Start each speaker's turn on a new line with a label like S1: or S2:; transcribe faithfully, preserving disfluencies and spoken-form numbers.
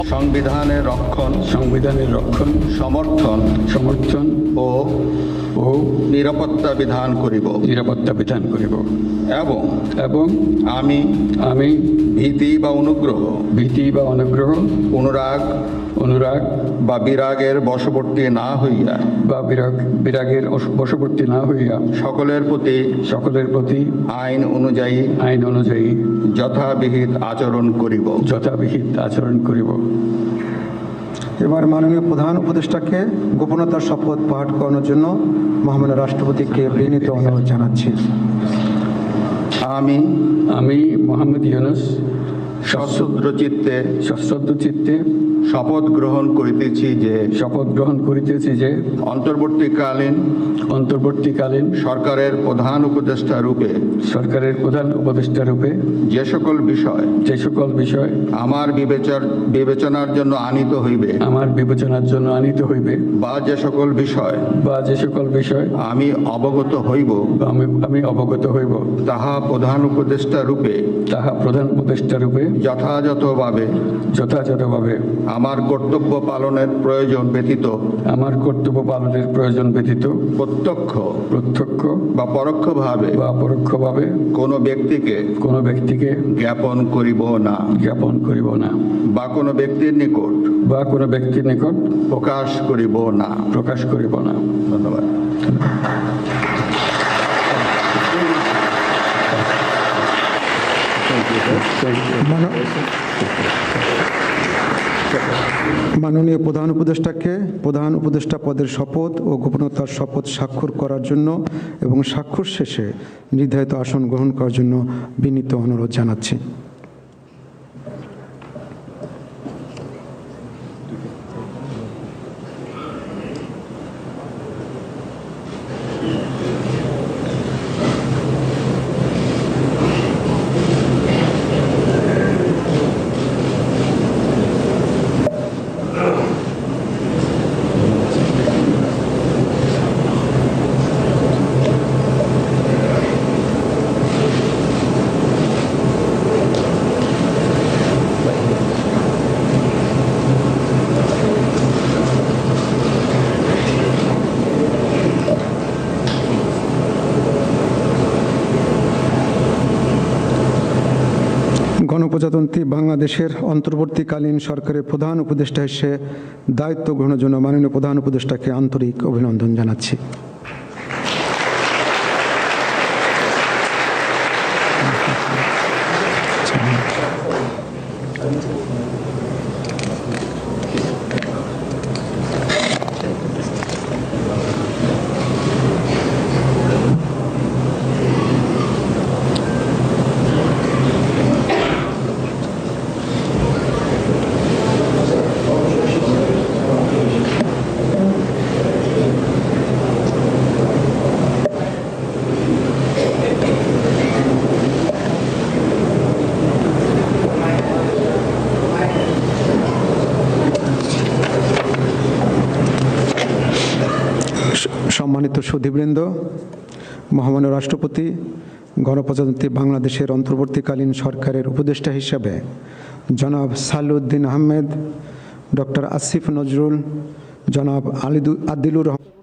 S1: সংবিধানের রক্ষণ
S2: সংবিধানের রক্ষণ
S1: সমর্থন
S2: সমর্থন
S1: ও
S2: ও
S1: নিরাপত্তা বিধান করিব
S2: নিরাপত্তা বিধান করিব
S1: এবং
S2: এবং
S1: আমি
S2: আমি
S1: ভীতি বা অনুগ্রহ
S2: ভীতি বা অনুগ্রহ
S1: অনুরাগ
S2: অনুরাগ
S1: বা বিরাগের বশবর্তী না হইয়া
S2: বা বিরাগ বিরাগের অস- বশবর্তী না হইয়া
S1: সকলের প্রতি
S2: সকলের প্রতি
S1: আইন অনুযায়ী
S2: আইন অনুযায়ী
S1: যথাবিহিত আচরণ করিব।
S2: যথাবিহিত আচরণ করিব।
S3: এবার মাননীয় প্রধান উপদেষ্টাকে গোপনতার শপথ পাঠ করানোর জন্য মহামান্য রাষ্ট্রপতিকে বিনীত অনুরোধ জানাচ্ছি।
S1: আমি
S2: আমি মোহাম্মদ ইউনূস
S1: সশ্রদ্র চিত্তে
S2: সশ্রদ্ধ চিত্তে
S1: শপথ গ্রহণ করিতেছি যে
S2: শপথ গ্রহণ করিতেছি যে
S1: অন্তর্বর্তীকালীন
S2: অন্তর্বর্তীকালীন
S1: সরকারের প্রধান উপদেষ্টা রূপে
S2: সরকারের প্রধান উপদেষ্টা রূপে
S1: যে সকল বিষয়
S2: যে সকল বিষয়
S1: আমার বিবেচর বিবেচনার জন্য আনিত হইবে
S2: আমার বিবেচনার জন্য আনিত হইবে
S1: বা যে সকল বিষয়
S2: বা যে সকল বিষয়
S1: আমি অবগত হইব
S2: বা আমি আমি অবগত হইব
S1: তাহা প্রধান উপদেষ্টা রূপে
S2: তাহা প্রধান উপদেষ্টা রূপে
S1: যথাযথভাবে
S2: যথাযথভাবে
S1: আমার কর্তব্য পালনের প্রয়োজন ব্যতীত
S2: আমার কর্তব্য পালনের প্রয়োজন ব্যতীত
S1: প্রত্যক্ষ
S2: প্রত্যক্ষ
S1: বা পরোক্ষভাবে
S2: বা পরোক্ষভাবে
S1: কোনো ব্যক্তিকে
S2: কোনো ব্যক্তিকে
S1: জ্ঞাপন করিব না
S2: জ্ঞাপন করিব না
S1: বা কোনো ব্যক্তির নিকট
S2: বা কোনো ব্যক্তির নিকট
S1: প্রকাশ করিব না।
S2: প্রকাশ করিব না।
S1: ধন্যবাদ।
S3: মানো- মাননীয় প্রধান উপদেষ্টাকে প্রধান উপদেষ্টা পদের শপথ ও গোপনতার শপথ স্বাক্ষর করার জন্য এবং স্বাক্ষর শেষে নির্ধারিত আসন গ্রহণ করার জন্য বিনীত অনুরোধ জানাচ্ছি। গণপ্রজাতন্ত্রী বাংলাদেশের অন্তর্বর্তীকালীন সরকারের প্রধান উপদেষ্টা হিসেবে দায়িত্ব গ্রহণের জন্য মাননীয় প্রধান উপদেষ্টাকে আন্তরিক অভিনন্দন জানাচ্ছি। সম্মানিত সুধীবৃন্দ, মহামান্য রাষ্ট্রপতি গণপ্রজাতন্ত্রী বাংলাদেশের অন্তর্বর্তীকালীন সরকারের উপদেষ্টা হিসাবে জনাব সালাউদ্দিন আহমেদ, ডক্টর আসিফ নজরুল, জনাব আলিদু আদিলুর রহমান